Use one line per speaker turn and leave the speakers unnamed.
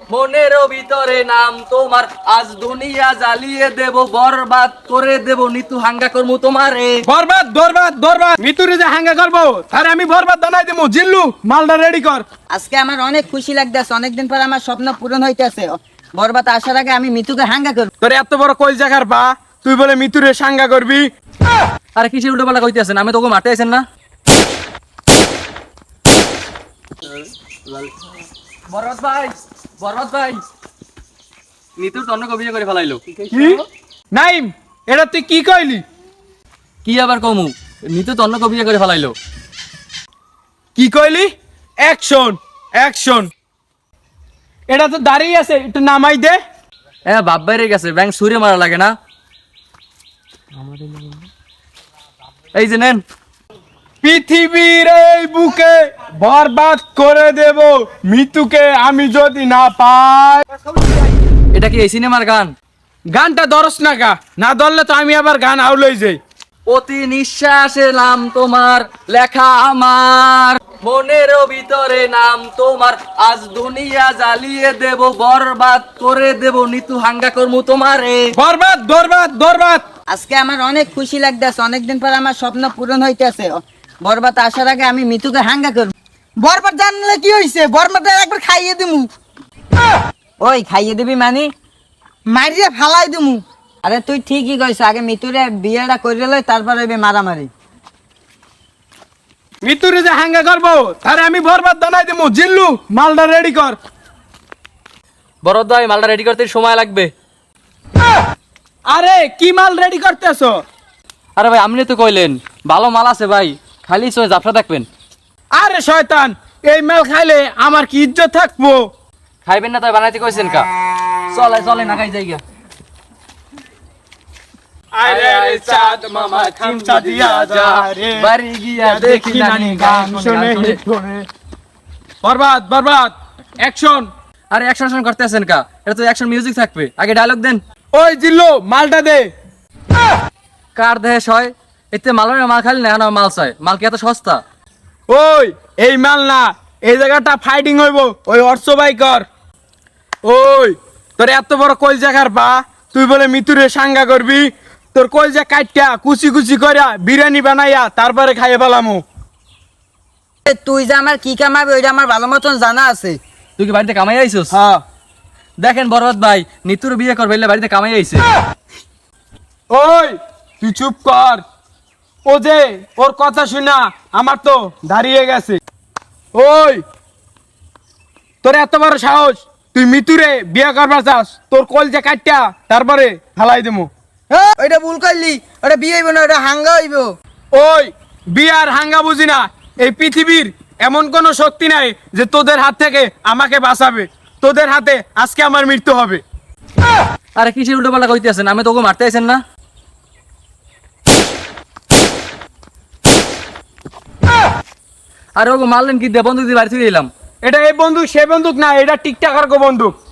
মনের ভিতরে নাম তোমার, আজ দুনিয়া জ্বালিয়ে দেব, বরবাদ করে দেব, নিতু হাঙ্গা করমু তোমারে।
বরবাদ বরবাদ বরবাদ, মিতুরে যে হাঙ্গা করবো তার আমি বরবাদ বানাই দেবো। জিল্লু মালটা রেডি কর।
আজকে আমার অনেক খুশি লাগতেছে, অনেকদিন পর আমার স্বপ্ন পূরণ হইতেছে। বরবাদ আসার আগে আমি মিতুকে হাঙ্গা করব।
তোর এত বড় কই জায়গার পা, তুই বলে মিতুরে সাঙ্গা করবি?
আরে কিসের উল্টো পাল্টা কইতেছেন? আমি তোকে মারতে আইছেন না? বরবাদ ভাই, বরবাদ ভাই, নিতুর তো অন্য কবিতা করে ফেলাইলো।
কি নাইম, এটা তুই কি কইলি?
কি আবার কমু, নিতু তো অন্য কবিতা করে ফেলাইলো।
কি কইলি? Action action. এটা তো দাঁড়িয়ে আছে, একটু নামাই দে।
হ্যাঁ, বাপ বাইরে গেছে, ব্যাংক সুরে মারা লাগে না। এই যে নেন।
পৃথিবীর এই বুকে বরবাদ করে দেব মিতুকে আমি যদি না পাই।
এটা কি এই সিনেমার গান?
গানটা ধরস না গা, না ধরলে তো আমি আবার গান আউলই যাই।
প্রতি নিঃশ্বাসে নাম তোমার লেখা আমার, মনের ভিতরে নাম তোমার, আজ দুনিয়া জ্বালিয়ে দেব, বরবাদ করে দেব, নিতু হাঙ্গা করমু তোমারে।
বরবাদ বরবাদ বরবাদ।
আজকে আমার অনেক খুশি লাগতেছে, অনেকদিন পর আমার স্বপ্ন পূরণ হইতেছে। বরবাদ আসার আগে আমি মিতুকে হাঙ্গা করব। বরবাদ জানলে কি হইছে? বরবাদ একবার খাইয়ে দিমু। ওই খাইয়ে দিবি মানে? মারিয়ে ফালাই দিমু। আরে তুই ঠিকই কইছ, আগে মিতুরে বিয়েটা করে লই, তারপর হইবে মারামারি।
মিতুরে যে হাঙ্গা করবো তারে আমি বরবাদ বানাই দেবো। জিল্লু মালটা রেডি কর।
বরবাদ ভাই, মালটা রেডি করতে সময় লাগবে।
আরে কি মাল রেডি করতেছো?
আরে ভাই, আপনি তো কইলেন ভালো মাল আছে ভাই, খালি সময় জাফরা থাকবেন।
আরে শয়তান, এই মাল খাইলে আমার কি ইজ্জত থাকবো?
খাইবেন না তাই বানাইতে কইছেন কা? চলে চলে না খাই যাইগা।
আরে চাঁদ মামা খামচা দিয়া যা রে,
বাড়ি গিয়া দেখি নানি গান শুনে
শুনে। বরবাদ বরবাদ অ্যাকশন।
আরে অ্যাকশন করতেছেন কা? এটা তো অ্যাকশন মিউজিক থাকবে, আগে ডায়লগ দেন।
ওই জিল্লু মালটা দে।
কার দেহে হয় এতে মালের মাল খালি না, মাল চাই। মাল কি এত সস্তা?
ওই এই মাল না, এই জায়গাটা ফাইটিং হইব। ওই অর্থ বাই কর। ওই তোর এত বড় কই জায়গার পা, তুই বলে মিতুরে সাঙ্গা করবি? তোর কই যা কাটটা কুচি কুচি করিয়া বিরিয়ানি বানাইয়া তারপরে খাইয়ে ফেলামু।
তুই যে আমার কি কামাবি ওইটা আমার ভালো মতন জানা আছে।
তুই কি বাড়িতে কামাই আইছিস?
হ্যাঁ।
দেখেন বরবাদ ভাই, নিতুর বিয়ে করবে বলে বাড়িতে কামাই আইছে।
ওই তুই চুপ কর। ও যে ওর কথা শুনা আমার তো দাঁড়িয়ে গেছে। ওই তোর এত বড় সাহস, তুই মিতুরে বিয়ে করবার চাস? তোর কল যে কাটটা তারপরে ফালাই দেবো।
ওইটা ভুল করলি, ওটা বিয়ে হইব না, ওটা হাঙ্গা হইব।
ওই বিয়ার হাঙ্গা বুঝি না? এই পৃথিবীর এমন কোনো শক্তি নাই যে তোদের হাত থেকে আমাকে বাঁচাবে। তোদের হাতে আজকে আমার মৃত্যু হবে।
আরে কিসের উল্টো পাল্টা কইতেছেন? আমি তোকে মারতে আইছেন না? আরে ওকে মারলেন কি দিয়ে? বন্ধু দিয়ে বাড়ি থেকে এলাম।
এটা এই বন্দুক সে বন্দুক না, এটা টিকটাকার গো বন্দুক।